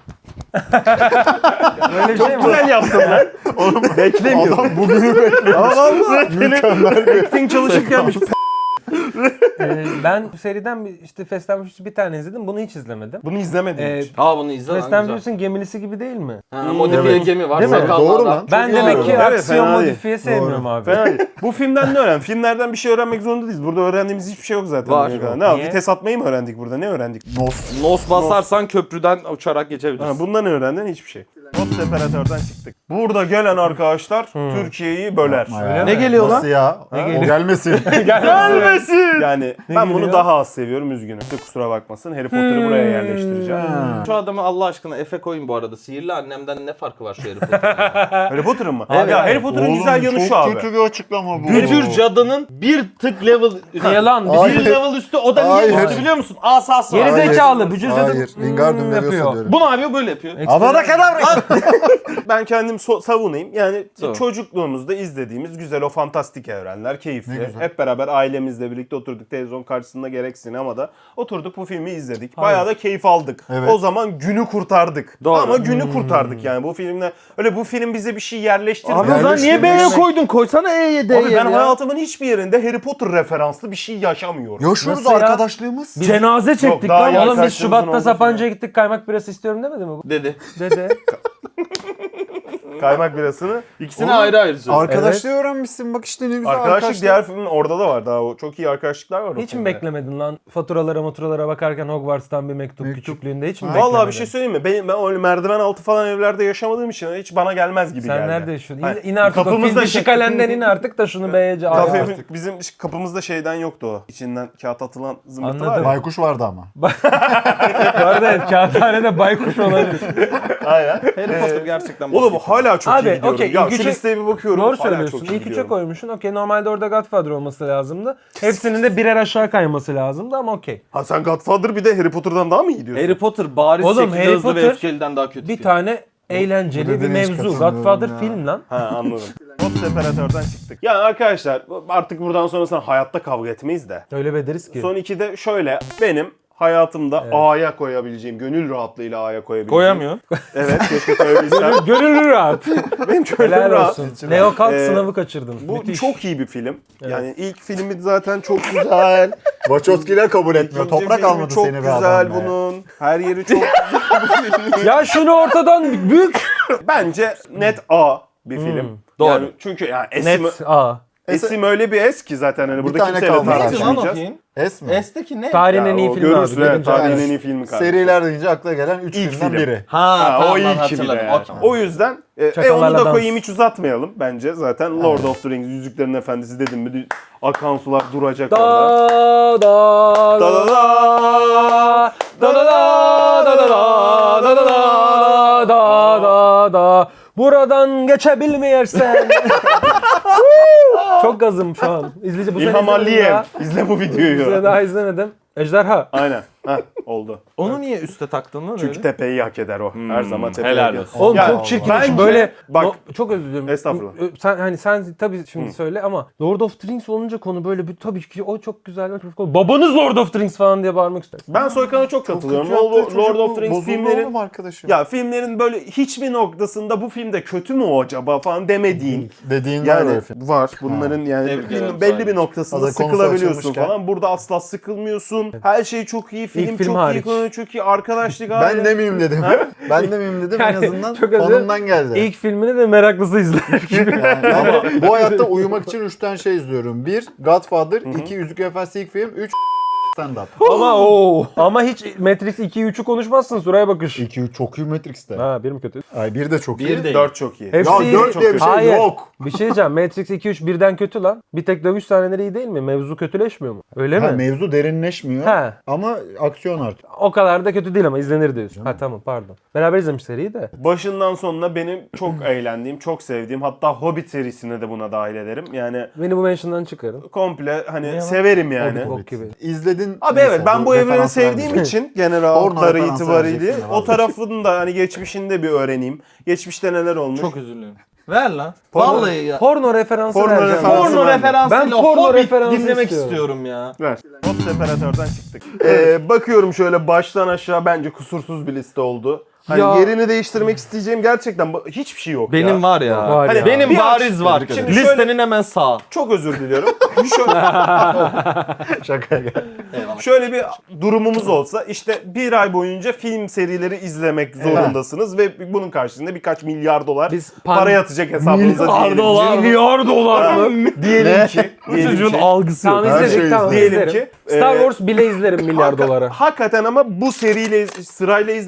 [SPEAKER 2] Böyle bir şey mi var?
[SPEAKER 1] Güzel yaptın lan. Oğlum beklemiyordum.
[SPEAKER 4] Adam bugünü bekliyor.
[SPEAKER 1] Ama valla
[SPEAKER 4] Mükemmel bir
[SPEAKER 1] acting çalışıp gelmiş.
[SPEAKER 2] Ee, ben bu seriden bir, işte Fast and Furious'u bir tane izledim. Bunu hiç izlemedim.
[SPEAKER 1] Bunu izlemedim
[SPEAKER 2] Ee,
[SPEAKER 1] hiç.
[SPEAKER 3] Aa bunu izle
[SPEAKER 2] Fast
[SPEAKER 3] lan
[SPEAKER 2] and
[SPEAKER 3] güzel.
[SPEAKER 2] Furious'un gemilisi gibi değil mi?
[SPEAKER 3] Ha, modifiye
[SPEAKER 1] Evet.
[SPEAKER 3] gemi var.
[SPEAKER 2] Değil mi?
[SPEAKER 3] Sakallı
[SPEAKER 4] Doğru
[SPEAKER 3] adam.
[SPEAKER 4] lan.
[SPEAKER 2] Ben
[SPEAKER 4] Çok
[SPEAKER 2] demek
[SPEAKER 4] doğru.
[SPEAKER 2] ki
[SPEAKER 1] Evet,
[SPEAKER 2] aksiyon
[SPEAKER 1] fena değil.
[SPEAKER 2] modifiye sevmiyorum abi.
[SPEAKER 1] Fena değil. Bu filmden ne öğren? Filmlerden bir şey öğrenmek zorunda değiliz. Burada öğrendiğimiz hiçbir şey yok zaten.
[SPEAKER 3] Var.
[SPEAKER 1] Buraya kadar. Ne
[SPEAKER 2] Niye?
[SPEAKER 1] vites atmayı mı öğrendik burada? Ne öğrendik?
[SPEAKER 4] Nos.
[SPEAKER 3] Nos basarsan köprüden uçarak geçebilirsin.
[SPEAKER 1] Ha, bundan ne öğrendin? Hiçbir şey. Hop separatörden çıktık. Burada gelen arkadaşlar Türkiye'yi böler.
[SPEAKER 4] Ya.
[SPEAKER 3] Ne geliyor lan?
[SPEAKER 4] Nasıl ya? O gelmesin.
[SPEAKER 1] Gelmesin. Yani ben bunu
[SPEAKER 2] geliyor?
[SPEAKER 1] daha az seviyorum, üzgünüm. Size kusura bakmasın. Harry Potter'ı buraya yerleştireceğim.
[SPEAKER 3] Şu adamı Allah aşkına Efe koyun bu arada. Sihirli annemden ne farkı var şu Harry Potter'ın?
[SPEAKER 1] Harry Potter'ın mı? ya Harry Potter'ın güzel yanı şu
[SPEAKER 4] çok
[SPEAKER 1] abi.
[SPEAKER 4] kötü bir açıklama bu.
[SPEAKER 3] Bücür cadının bir tık level üstü.
[SPEAKER 2] Yalan.
[SPEAKER 3] Bir
[SPEAKER 4] Hayır.
[SPEAKER 3] level üstü, o da niye
[SPEAKER 4] Hayır.
[SPEAKER 3] üstü biliyor musun? Asası var.
[SPEAKER 2] Geri
[SPEAKER 4] Hayır.
[SPEAKER 2] zekalı. Bücür
[SPEAKER 4] Hayır.
[SPEAKER 2] dedim.
[SPEAKER 4] Wingardium
[SPEAKER 2] hmm,
[SPEAKER 4] Leviosa
[SPEAKER 2] yapıyor.
[SPEAKER 4] diyorum.
[SPEAKER 3] Bu ne yapıyor? Böyle yapıyor.
[SPEAKER 4] Avada kadar.
[SPEAKER 1] Ben kendim so- savunayım. Yani
[SPEAKER 3] Tamam.
[SPEAKER 1] çocukluğumuzda izlediğimiz güzel o fantastik evrenler, keyifli.
[SPEAKER 4] Ne güzel.
[SPEAKER 1] Hep beraber ailemizle birlikte oturduk televizyon karşısında gerek sinemada. Oturduk bu filmi izledik. Bayağı da keyif aldık.
[SPEAKER 4] Evet.
[SPEAKER 1] O zaman günü kurtardık.
[SPEAKER 3] Doğru.
[SPEAKER 1] Ama günü kurtardık yani bu filmle. Öyle bu film bize bir şey yerleştirmiyor.
[SPEAKER 3] Abi o zaman niye B'ye
[SPEAKER 4] Yerleştirmiş.
[SPEAKER 3] koydun? Koysana E'ye D'ye
[SPEAKER 1] Abi ben
[SPEAKER 3] ya.
[SPEAKER 1] hayatımın hiçbir yerinde Harry Potter referanslı bir şey yaşamıyorum.
[SPEAKER 4] Yaşıyoruz
[SPEAKER 2] Nasıl ya?
[SPEAKER 4] arkadaşlığımız.
[SPEAKER 2] Cenaze çektik
[SPEAKER 1] daha
[SPEAKER 2] lan.
[SPEAKER 1] iyi
[SPEAKER 2] Oğlum biz
[SPEAKER 1] arkadaşlarımızın
[SPEAKER 2] Şubat'ta
[SPEAKER 1] olduğu
[SPEAKER 2] Sapanca'ya gittik, kaymak birası istiyorum demedi mi bu?
[SPEAKER 3] Dedi.
[SPEAKER 2] Dede.
[SPEAKER 1] Kaymak birasını.
[SPEAKER 3] İkisini ayrı ayrı söyledi.
[SPEAKER 4] Arkadaşlığı öğrenmişsin bak işte ne güzel
[SPEAKER 1] Arkadaşlık
[SPEAKER 4] arkadaşlık.
[SPEAKER 1] diğer filmin orada da var. Daha o çok iyi arkadaşlıklar var. o
[SPEAKER 2] Hiç mi
[SPEAKER 1] filmde.
[SPEAKER 2] beklemedin lan? Faturalara maturalara bakarken Hogwarts'tan bir mektup,
[SPEAKER 4] Mektup.
[SPEAKER 2] küçüklüğünde hiç mi
[SPEAKER 1] Vallahi
[SPEAKER 2] beklemedin?
[SPEAKER 1] bir şey söyleyeyim mi? Benim, ben öyle merdiven altı falan evlerde yaşamadığım için hiç bana gelmez gibi
[SPEAKER 2] Sen
[SPEAKER 1] geldi.
[SPEAKER 2] nerede yaşıyorsun?
[SPEAKER 1] Hayır,
[SPEAKER 2] İn, in artık o
[SPEAKER 1] kapımızda
[SPEAKER 2] fil
[SPEAKER 1] şey-
[SPEAKER 2] dişi kalenden in artık da şunu B'ye al
[SPEAKER 1] Kafe,
[SPEAKER 2] artık.
[SPEAKER 1] bizim kapımızda şeyden yoktu o. İçinden kağıt atılan zımbırtı
[SPEAKER 2] Anladım.
[SPEAKER 1] var ya.
[SPEAKER 4] Baykuş vardı ama.
[SPEAKER 2] Bu arada kağıthanede baykuş olabilir.
[SPEAKER 1] Aynen.
[SPEAKER 3] Harry Potter gerçekten
[SPEAKER 1] Oğlum
[SPEAKER 3] bozuk.
[SPEAKER 1] hala çok
[SPEAKER 2] Abi,
[SPEAKER 1] iyi gidiyorum.
[SPEAKER 2] okey,
[SPEAKER 1] ya
[SPEAKER 2] ilk
[SPEAKER 1] şu
[SPEAKER 2] üçe-
[SPEAKER 1] listeye bir bakıyorum.
[SPEAKER 2] Doğru
[SPEAKER 1] hala
[SPEAKER 2] söylüyorsun.
[SPEAKER 1] çok iyi
[SPEAKER 2] İlk üçe
[SPEAKER 1] gidiyorum.
[SPEAKER 2] koymuşsun. Okey, normalde orada Godfather olması lazımdı. Hepsinin de birer aşağı kayması lazımdı ama okey.
[SPEAKER 1] Ha sen Godfather bir de Harry Potter'dan daha mı iyi diyorsun?
[SPEAKER 3] Harry Potter bariz
[SPEAKER 2] Oğlum,
[SPEAKER 3] şekilde
[SPEAKER 2] Harry
[SPEAKER 3] hızlı ve
[SPEAKER 2] Potter
[SPEAKER 3] öfkeliden daha kötü
[SPEAKER 2] Bir
[SPEAKER 3] film.
[SPEAKER 2] tane eğlenceli
[SPEAKER 4] Bu
[SPEAKER 2] bir
[SPEAKER 4] dediğine hiç
[SPEAKER 2] mevzu.
[SPEAKER 4] katılmıyorum
[SPEAKER 2] Godfather
[SPEAKER 4] ya.
[SPEAKER 2] film lan.
[SPEAKER 1] Ha anladım. Hop separatörden çıktık. Yani arkadaşlar artık buradan sonrasında hayatta kavga etmeyiz de.
[SPEAKER 2] Öyle bederiz ki.
[SPEAKER 1] Son ikide şöyle benim hayatımda A'ya koyabileceğim, gönül rahatlığıyla A'ya koyabileceğim.
[SPEAKER 3] Koyamıyor.
[SPEAKER 1] Evet keşke koyabilsem.
[SPEAKER 2] Gönüllü rahat.
[SPEAKER 1] benim gönlüm
[SPEAKER 2] Helal
[SPEAKER 1] rahat.
[SPEAKER 2] olsun. Leo Kalk
[SPEAKER 1] Ee,
[SPEAKER 2] sınavı kaçırdın.
[SPEAKER 1] Bu
[SPEAKER 2] Müthiş.
[SPEAKER 1] çok iyi bir film. Yani ilk filmi zaten çok güzel.
[SPEAKER 4] Wachowski'ler kabul etmiyor.
[SPEAKER 1] İkinci
[SPEAKER 4] Toprak
[SPEAKER 1] filmi
[SPEAKER 4] almadı
[SPEAKER 1] çok
[SPEAKER 4] seni be
[SPEAKER 1] güzel
[SPEAKER 4] adam be.
[SPEAKER 1] bunun. Her yeri çok güzel bu filmin.
[SPEAKER 2] Ya şunu ortadan büyük.
[SPEAKER 1] Bence net A bir film.
[SPEAKER 3] Doğru.
[SPEAKER 1] Yani çünkü yani esim,
[SPEAKER 2] Net A.
[SPEAKER 1] esim öyle bir es ki zaten hani burada
[SPEAKER 4] tane
[SPEAKER 1] kimseyle
[SPEAKER 4] kaldı.
[SPEAKER 3] Neydi lan o
[SPEAKER 1] tartışmayacağız.
[SPEAKER 3] film?
[SPEAKER 4] Es mi?
[SPEAKER 3] S'teki ne?
[SPEAKER 2] Tarihin
[SPEAKER 1] Ya
[SPEAKER 2] en iyi
[SPEAKER 1] o
[SPEAKER 2] filmi abi.
[SPEAKER 1] görürsün evet,
[SPEAKER 2] birinci
[SPEAKER 1] tarihin
[SPEAKER 2] abi.
[SPEAKER 1] en iyi filmi kardeşim.
[SPEAKER 4] Seriler deyince akla gelen üç
[SPEAKER 1] İlk
[SPEAKER 4] filmden
[SPEAKER 1] film.
[SPEAKER 4] biri.
[SPEAKER 3] Ha,
[SPEAKER 1] Ha,
[SPEAKER 3] tamam,
[SPEAKER 1] o
[SPEAKER 3] ben
[SPEAKER 1] ilk gibi
[SPEAKER 3] hatırladım.
[SPEAKER 1] yani.
[SPEAKER 3] Okey.
[SPEAKER 1] O yüzden e, e,
[SPEAKER 2] Çakallarla
[SPEAKER 1] onu da
[SPEAKER 2] dans.
[SPEAKER 1] koyayım hiç uzatmayalım bence. Zaten Lord of the Rings, Yüzüklerin Efendisi dedim mi akan sular duracak orada.
[SPEAKER 2] Da da
[SPEAKER 1] Da da da.
[SPEAKER 2] da da da da da da da da da da da da buradan geçebilmeyersen. Çok gazım şu an. İzleyici bu sene
[SPEAKER 1] İlham
[SPEAKER 2] izlemedim
[SPEAKER 1] Aliyev.
[SPEAKER 2] daha.
[SPEAKER 1] İzle bu
[SPEAKER 2] Bu sene
[SPEAKER 1] videoyu.
[SPEAKER 2] daha izlemedim. Ejderha.
[SPEAKER 1] Aynen. Heh, oldu.
[SPEAKER 3] Onu niye üste taktın lan
[SPEAKER 1] Çünkü
[SPEAKER 3] öyle?
[SPEAKER 1] tepeyi hak eder o. Her zaman tepeyi
[SPEAKER 3] helal
[SPEAKER 1] hak eder.
[SPEAKER 3] olsun.
[SPEAKER 2] Oğlum
[SPEAKER 1] Ya,
[SPEAKER 2] çok çirkin.
[SPEAKER 1] bence-
[SPEAKER 2] Böyle
[SPEAKER 1] bak-
[SPEAKER 2] no- çok özür diliyorum.
[SPEAKER 1] Estağfurullah.
[SPEAKER 2] Ö- Sen hani sen tabii şimdi söyle ama Lord of the Rings olunca konu böyle bir tabii ki o çok güzel. o çok- Babanız Lord of the Rings falan diye bağırmak istersin.
[SPEAKER 1] Ben Soykan'a çok katılıyorum.
[SPEAKER 4] Kötü yaptığı
[SPEAKER 1] Lord,
[SPEAKER 4] çocuk
[SPEAKER 1] Lord of
[SPEAKER 4] bu.
[SPEAKER 1] the Rings
[SPEAKER 4] Bozuldu
[SPEAKER 1] filmlerin
[SPEAKER 4] oğlum arkadaşım.
[SPEAKER 1] ya filmlerin böyle hiçbir noktasında bu filmde kötü mü o acaba falan demediğin
[SPEAKER 4] Dediğin var
[SPEAKER 1] yani
[SPEAKER 4] öyle film.
[SPEAKER 1] var. Bunların yani
[SPEAKER 3] Tebrik
[SPEAKER 1] filmin
[SPEAKER 3] ederim
[SPEAKER 1] belli
[SPEAKER 3] sahibi.
[SPEAKER 1] bir noktasında
[SPEAKER 4] Hazır konusu
[SPEAKER 1] sıkılabiliyorsun
[SPEAKER 4] açılmışken.
[SPEAKER 1] falan. Burada asla sıkılmıyorsun. Her şey çok iyi. Film,
[SPEAKER 2] film
[SPEAKER 1] çok
[SPEAKER 2] hariç.
[SPEAKER 1] iyi. Konu çok iyi. Arkadaşlık
[SPEAKER 4] Ben
[SPEAKER 1] aile.
[SPEAKER 4] de miyim dedim. ben de miyim dedim en
[SPEAKER 2] Yani
[SPEAKER 4] azından
[SPEAKER 2] çok özür-
[SPEAKER 4] fanımdan geldi.
[SPEAKER 2] İlk filmini de meraklısı izler gibi.
[SPEAKER 4] Yani ama bu hayatta uyumak için üç tane şey izliyorum. Bir, Godfather. iki Yüzük Efendisi ilk film. Üç, stand-up.
[SPEAKER 2] ama o ama hiç Matrix iki üçü konuşmazsın Suraya bakış.
[SPEAKER 4] iki, üç çok iyi Matrix'te.
[SPEAKER 2] Ha bir mi kötü?
[SPEAKER 4] Ay bir de çok iyi.
[SPEAKER 3] Bir değil.
[SPEAKER 1] dört çok iyi.
[SPEAKER 2] Hepsi
[SPEAKER 4] Ya
[SPEAKER 2] iyi.
[SPEAKER 4] dört diye bir şey
[SPEAKER 2] Hayır.
[SPEAKER 4] yok.
[SPEAKER 2] Bir şey diyeceğim. Matrix iki üç birden kötü lan. Bir tek dövüş sahneleri iyi değil mi? Mevzu kötüleşmiyor mu? Öyle
[SPEAKER 4] Ha,
[SPEAKER 2] mi?
[SPEAKER 4] mevzu derinleşmiyor
[SPEAKER 2] Ha.
[SPEAKER 4] ama aksiyon artıyor.
[SPEAKER 2] O kadar da kötü değil ama izlenir diyorsun. Ha tamam pardon. Beraber izlemiş seriyi de.
[SPEAKER 1] Başından sonuna benim çok eğlendiğim, çok sevdiğim, hatta Hobbit serisine de buna dahil ederim. Yani
[SPEAKER 2] Beni bu mention'dan çıkarın.
[SPEAKER 1] komple hani
[SPEAKER 2] Ne
[SPEAKER 1] severim yani.
[SPEAKER 2] Hobbit bok gibi.
[SPEAKER 4] İzledin.
[SPEAKER 1] Abi
[SPEAKER 4] neyse,
[SPEAKER 1] evet ben bu evreni
[SPEAKER 4] referans
[SPEAKER 1] sevdiğim
[SPEAKER 4] verdim.
[SPEAKER 1] için genel
[SPEAKER 4] Porno
[SPEAKER 1] hatları
[SPEAKER 4] referansı
[SPEAKER 1] itibariyle
[SPEAKER 4] vereceksin
[SPEAKER 1] o
[SPEAKER 4] abi.
[SPEAKER 1] tarafını da hani geçmişinde bir öğreneyim. Geçmişte neler olmuş.
[SPEAKER 3] Çok üzülüyorum. Ver lan.
[SPEAKER 1] Porno-
[SPEAKER 3] Vallahi ya.
[SPEAKER 2] Porno referansı
[SPEAKER 1] Porno
[SPEAKER 2] vereceğim.
[SPEAKER 1] referansı
[SPEAKER 3] Porno
[SPEAKER 1] ben de.
[SPEAKER 3] referansıyla
[SPEAKER 2] Ben porno
[SPEAKER 3] Hobbit
[SPEAKER 2] referansı
[SPEAKER 3] dinlemek
[SPEAKER 2] istiyorum.
[SPEAKER 3] istiyorum ya.
[SPEAKER 1] Ver. Hop separatörden çıktık. Ee, bakıyorum şöyle baştan aşağı bence kusursuz bir liste oldu. Hani
[SPEAKER 2] Ya.
[SPEAKER 1] yerini değiştirmek isteyeceğim gerçekten ba- hiçbir şey yok
[SPEAKER 3] Benim
[SPEAKER 1] ya.
[SPEAKER 3] var ya.
[SPEAKER 2] Var
[SPEAKER 1] Hani
[SPEAKER 2] ya.
[SPEAKER 3] Benim
[SPEAKER 1] Bir
[SPEAKER 3] bariz
[SPEAKER 1] aç-
[SPEAKER 3] var.
[SPEAKER 1] Şimdi
[SPEAKER 3] Listenin
[SPEAKER 1] şöyle-
[SPEAKER 3] hemen sağ.
[SPEAKER 1] Çok özür diliyorum. şöyle,
[SPEAKER 4] Şaka gel.
[SPEAKER 1] şöyle bir durumumuz olsa işte bir ay boyunca film serileri izlemek zorundasınız ve bunun karşılığında birkaç milyar dolar
[SPEAKER 2] Biz pan-
[SPEAKER 1] para yatacak hesabınıza diyelim.
[SPEAKER 2] Milyar dolar mı?
[SPEAKER 1] Diyelim ki.
[SPEAKER 2] Bu
[SPEAKER 1] diyelim
[SPEAKER 2] çocuğun
[SPEAKER 1] ki-
[SPEAKER 2] algısı Tamam
[SPEAKER 4] Her
[SPEAKER 2] izledik
[SPEAKER 4] şeyi
[SPEAKER 2] tamam
[SPEAKER 1] izleyelim
[SPEAKER 2] izlerim.
[SPEAKER 1] ki,
[SPEAKER 2] Star
[SPEAKER 1] e,
[SPEAKER 2] Wars bile izlerim milyar
[SPEAKER 1] Hakika-
[SPEAKER 2] dolara.
[SPEAKER 1] Hakikaten ama bu seriyle sırayla izlerim.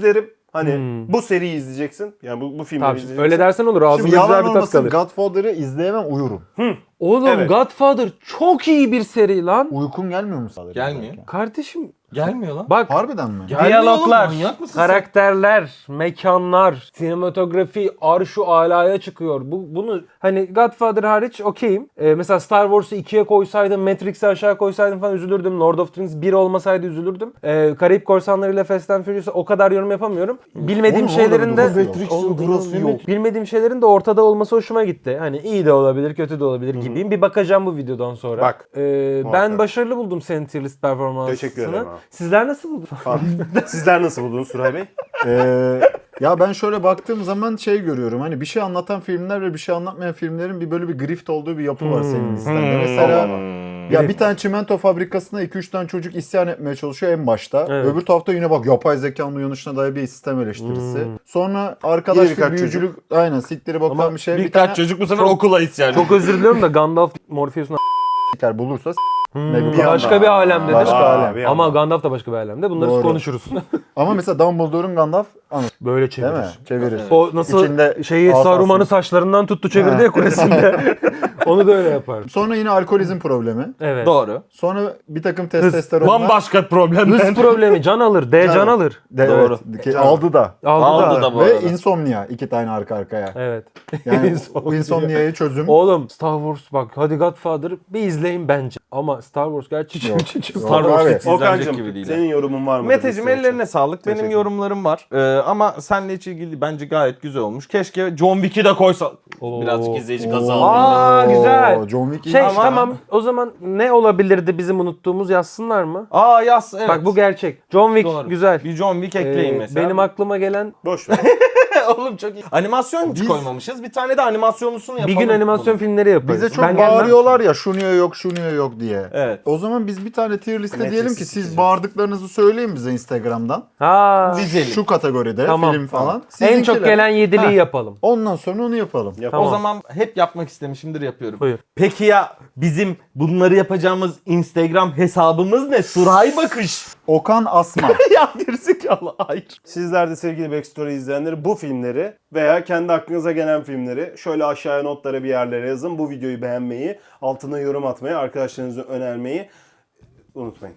[SPEAKER 1] Hani
[SPEAKER 2] Hmm.
[SPEAKER 1] bu seriyi izleyeceksin. Yani bu, bu filmleri
[SPEAKER 2] Tabii,
[SPEAKER 1] izleyeceksin.
[SPEAKER 2] öyle dersen olur. Ağzımda
[SPEAKER 4] Şimdi
[SPEAKER 2] güzel
[SPEAKER 4] yalan
[SPEAKER 2] bir tat
[SPEAKER 4] olmasın
[SPEAKER 2] kalır.
[SPEAKER 4] Godfather'ı izleyemem uyurum.
[SPEAKER 2] Oğlum
[SPEAKER 1] Evet.
[SPEAKER 2] Godfather çok iyi bir seri lan.
[SPEAKER 4] Uykun gelmiyor mu sadece?
[SPEAKER 3] Gelmiyor.
[SPEAKER 2] Kardeşim
[SPEAKER 3] Gelmiyor lan.
[SPEAKER 2] bak,
[SPEAKER 4] Harbiden mi?
[SPEAKER 2] diyaloglar,
[SPEAKER 3] oğlum, manyak mısın sen?
[SPEAKER 2] karakterler, mekanlar, sinematografi arşu alaya çıkıyor. Bu bunu hani Godfather hariç okeyim. Ee, mesela Star Wars'u ikiye koysaydım, Matrix'i aşağı koysaydım falan üzülürdüm. Lord of the Rings bir olmasaydı üzülürdüm. Ee, Karayip Korsanları ile Fast and Furious'a o kadar yorum yapamıyorum. Bilmediğim
[SPEAKER 4] Oğlum, orada
[SPEAKER 2] şeylerin
[SPEAKER 4] bir
[SPEAKER 2] de
[SPEAKER 4] durası yok.
[SPEAKER 2] Oğlum,
[SPEAKER 4] durası
[SPEAKER 2] bilmediğim-
[SPEAKER 4] yok.
[SPEAKER 2] Bilmediğim şeylerin de ortada olması hoşuma gitti. Hani iyi de olabilir, kötü de olabilir gibiyim. Bir bakacağım bu videodan sonra.
[SPEAKER 1] Bak,
[SPEAKER 2] Ee, ben
[SPEAKER 1] muhakkak.
[SPEAKER 2] başarılı buldum senin tier list performansını.
[SPEAKER 1] Teşekkür ederim abi.
[SPEAKER 2] Sizler nasıl buldunuz?
[SPEAKER 1] Falan. Sizler nasıl buldunuz Suray Bey?
[SPEAKER 4] Ee, ya ben şöyle baktığım zaman şey görüyorum. Hani bir şey anlatan filmler ve bir şey anlatmayan filmlerin bir böyle bir grift olduğu bir yapı var senin listende. Mesela ya bir tane çimento fabrikasına iki üç tane çocuk isyan etmeye çalışıyor en başta.
[SPEAKER 2] Evet.
[SPEAKER 4] Öbür tarafta yine bak yapay zekanın uyanışına dair bir sistem eleştirisi. Sonra
[SPEAKER 1] Yine
[SPEAKER 4] arkadaşlık,
[SPEAKER 1] birkaç
[SPEAKER 4] büyücülük, aynen siktiri bakan
[SPEAKER 2] Ama
[SPEAKER 4] bir şey. Bir
[SPEAKER 3] Birkaç
[SPEAKER 4] tane
[SPEAKER 3] çocuk bu sefer okula isyan.
[SPEAKER 2] Çok özür diliyorum da Gandalf Morpheus'un
[SPEAKER 4] siker bulursa s-
[SPEAKER 2] Hmm,
[SPEAKER 4] ne bir
[SPEAKER 2] başka
[SPEAKER 4] anda.
[SPEAKER 2] bir alemdedir.
[SPEAKER 4] Başka
[SPEAKER 1] Aa,
[SPEAKER 4] alem.
[SPEAKER 1] bir
[SPEAKER 2] Ama
[SPEAKER 1] anda.
[SPEAKER 2] Gandalf da başka bir alemde. Bunları
[SPEAKER 4] Doğru.
[SPEAKER 2] konuşuruz.
[SPEAKER 4] Ama mesela Dumbledore'un Gandalf anladın
[SPEAKER 2] Böyle
[SPEAKER 4] değil
[SPEAKER 2] çevirir.
[SPEAKER 4] mi? Çevirir.
[SPEAKER 2] O nasıl
[SPEAKER 4] İçinde
[SPEAKER 2] şeyi
[SPEAKER 4] asası.
[SPEAKER 2] Saruman'ı saçlarından tuttu çevirdi ya kulesinde. Onu da öyle yapar.
[SPEAKER 4] Sonra yine alkolizm problemi.
[SPEAKER 2] Evet.
[SPEAKER 3] Doğru.
[SPEAKER 4] Sonra bir takım testosteronlar.
[SPEAKER 3] Bambaşka problem.
[SPEAKER 2] Hız problemi can alır. D can alır.
[SPEAKER 4] De,
[SPEAKER 3] Doğru.
[SPEAKER 4] Evet, ki aldı da.
[SPEAKER 2] Aldı,
[SPEAKER 3] Aldı
[SPEAKER 2] da.
[SPEAKER 3] da bu
[SPEAKER 4] Ve
[SPEAKER 3] arada.
[SPEAKER 4] insomnia iki tane arka arkaya.
[SPEAKER 2] Evet.
[SPEAKER 4] Yani
[SPEAKER 2] İnsomnia.
[SPEAKER 4] o insomnia'yı çözüm.
[SPEAKER 2] Oğlum Star Wars bak hadi Godfather bir izleyin bence. Ama Star Wars gerçekten
[SPEAKER 4] Yok.
[SPEAKER 2] çok
[SPEAKER 4] Yok.
[SPEAKER 3] Star Wars
[SPEAKER 4] abi.
[SPEAKER 3] hiç izlenecek
[SPEAKER 1] Okan'cım
[SPEAKER 3] gibi değil.
[SPEAKER 1] senin yorumun var mı?
[SPEAKER 3] Meteciğim ellerine sağlık. Benim
[SPEAKER 1] Teşekkür
[SPEAKER 3] yorumlarım var. Ee, ama seninle hiç ilgili bence gayet güzel olmuş. Keşke John Wick'i de koysa.
[SPEAKER 2] Oo.
[SPEAKER 3] Birazcık izleyici
[SPEAKER 4] Oo.
[SPEAKER 3] gazı
[SPEAKER 2] Aa,
[SPEAKER 3] aldım.
[SPEAKER 2] güzel.
[SPEAKER 4] John Wick iyi
[SPEAKER 2] Şey
[SPEAKER 4] ama-
[SPEAKER 2] tamam o zaman ne olabilirdi bizim unuttuğumuz yazsınlar mı?
[SPEAKER 3] Aa yaz evet.
[SPEAKER 2] Bak bu gerçek. John Wick
[SPEAKER 3] Doğru.
[SPEAKER 2] güzel.
[SPEAKER 3] Bir John Wick ekleyin
[SPEAKER 2] Ee,
[SPEAKER 3] mesela.
[SPEAKER 2] Benim aklıma gelen
[SPEAKER 1] Boş ver.
[SPEAKER 3] Oğlum çok iyi. Animasyon hiç
[SPEAKER 4] Biz-
[SPEAKER 3] koymamışız. Bir tane de animasyonlusunu
[SPEAKER 2] bir
[SPEAKER 3] yapalım.
[SPEAKER 2] gün animasyon
[SPEAKER 3] bunu.
[SPEAKER 2] filmleri yaparız.
[SPEAKER 4] Bize çok
[SPEAKER 2] Ben gelmem.
[SPEAKER 4] bağırıyorlar ya şu niye yok şu niye yok diye.
[SPEAKER 3] Evet.
[SPEAKER 4] O zaman biz bir tane tier liste
[SPEAKER 1] Netflix
[SPEAKER 4] diyelim ki siz
[SPEAKER 1] isteyeceğim.
[SPEAKER 4] bağırdıklarınızı söyleyin bize Instagram'dan.
[SPEAKER 2] Ha.
[SPEAKER 3] Dizelim.
[SPEAKER 4] Şu kategoride
[SPEAKER 2] Tamam.
[SPEAKER 4] film falan.
[SPEAKER 2] En çok
[SPEAKER 4] Sizinkiler-
[SPEAKER 2] gelen yediliği
[SPEAKER 4] Ha.
[SPEAKER 2] yapalım.
[SPEAKER 4] Ondan sonra onu yapalım.
[SPEAKER 1] Yap.
[SPEAKER 2] Tamam.
[SPEAKER 3] O zaman hep yapmak istemişimdir yapıyorum.
[SPEAKER 2] Buyur.
[SPEAKER 3] Peki ya bizim bunları yapacağımız Instagram hesabımız ne? Suray Bakış.
[SPEAKER 4] Okan Asma.
[SPEAKER 3] ya gerizekalı hayır.
[SPEAKER 1] Sizler de sevgili Backstory izleyenleri bu filmleri veya kendi aklınıza gelen filmleri şöyle aşağıya notlara bir yerlere yazın. Bu videoyu beğenmeyi, altına yorum atmayı, arkadaşlarınıza önermeyi unutmayın.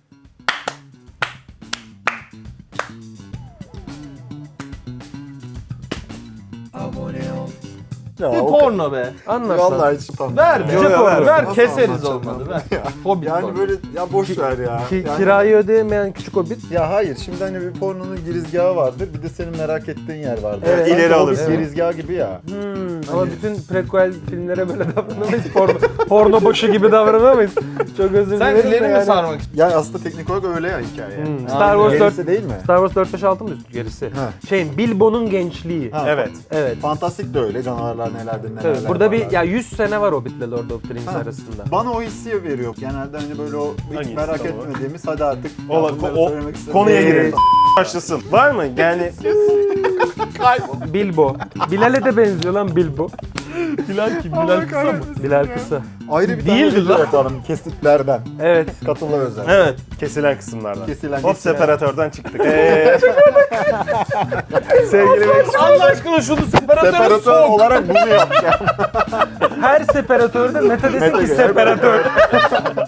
[SPEAKER 4] Ya,
[SPEAKER 3] Bir
[SPEAKER 4] Okan-
[SPEAKER 3] porno be.
[SPEAKER 2] Anlarsan.
[SPEAKER 4] Vallahi hiç utanmıyorum.
[SPEAKER 3] Ver
[SPEAKER 4] ya.
[SPEAKER 3] be.
[SPEAKER 1] Yo, yo, ver.
[SPEAKER 3] ver
[SPEAKER 4] Nasıl
[SPEAKER 3] keseriz
[SPEAKER 4] anlatacağım
[SPEAKER 3] olmadı
[SPEAKER 4] ben?
[SPEAKER 3] ver. Hobbit
[SPEAKER 4] Yani
[SPEAKER 3] porno.
[SPEAKER 4] böyle ya boş ver ya.
[SPEAKER 2] Ki,
[SPEAKER 4] Yani-
[SPEAKER 2] kirayı ödeyemeyen küçük hobbit.
[SPEAKER 4] Ya hayır şimdi hani bir pornonun girizgahı vardır bir de senin merak ettiğin yer vardır.
[SPEAKER 2] Evet.
[SPEAKER 4] Sanki
[SPEAKER 1] İleri
[SPEAKER 4] o bir
[SPEAKER 1] alırsın.
[SPEAKER 4] girizgah gibi ya.
[SPEAKER 2] Hmm, ama bütün prequel filmlere böyle davranamayız. Porno, porno başı gibi davranamayız. Çok özür
[SPEAKER 3] Sen
[SPEAKER 2] dilerim. de
[SPEAKER 3] ileri mi
[SPEAKER 2] yani.
[SPEAKER 3] sarmak istiyorsun?
[SPEAKER 4] Ya aslında teknik olarak öyle ya hikaye.
[SPEAKER 2] Hmm,
[SPEAKER 4] Ha,
[SPEAKER 2] Star Wars
[SPEAKER 4] gerisi
[SPEAKER 2] dört
[SPEAKER 4] değil mi?
[SPEAKER 2] Star Wars dört beş altı mı üstü gerisi?
[SPEAKER 4] Ha.
[SPEAKER 2] Şeyin Bilbo'nun gençliği.
[SPEAKER 4] Ha,
[SPEAKER 1] Evet.
[SPEAKER 2] Evet.
[SPEAKER 4] Fantastik de öyle canavarlar nelerdir neler.
[SPEAKER 2] Tabii, burada bir ya yüz sene var Hobbit'le Lord of the Rings
[SPEAKER 4] Ha.
[SPEAKER 2] arasında.
[SPEAKER 4] Bana o hissi veriyor. Genelde hani böyle o hiç
[SPEAKER 1] Hangisi
[SPEAKER 4] merak
[SPEAKER 1] tam olarak?
[SPEAKER 4] etmediğimiz hadi artık
[SPEAKER 1] Ola,
[SPEAKER 4] ben bunları
[SPEAKER 1] o,
[SPEAKER 4] söylemek istedim.
[SPEAKER 1] konuya
[SPEAKER 4] Ee,
[SPEAKER 1] girelim. Başlasın. Var mı? Yani
[SPEAKER 2] Bilbo. Bilal'e de benziyor lan Bilbo.
[SPEAKER 3] Bilal kim? Bilal kısa mı?
[SPEAKER 2] Bilal kısa.
[SPEAKER 4] Ayrı bir
[SPEAKER 3] Değildi
[SPEAKER 4] tane video
[SPEAKER 3] lan.
[SPEAKER 4] yapalım kesitlerden.
[SPEAKER 2] Evet.
[SPEAKER 4] Katıla özel.
[SPEAKER 3] Evet.
[SPEAKER 1] kesilen kısımlardan.
[SPEAKER 4] Kesilen
[SPEAKER 1] Hop
[SPEAKER 4] kesilen.
[SPEAKER 1] separatörden çıktık. Ee, sevgili Backstory.
[SPEAKER 3] Allah aşkına şunu separatöre
[SPEAKER 4] Separatör
[SPEAKER 3] sok.
[SPEAKER 4] olarak bunu yapacağım.
[SPEAKER 2] Her separatörde Meta'des'in
[SPEAKER 4] Meta
[SPEAKER 2] ki
[SPEAKER 4] gibi.
[SPEAKER 2] separatör.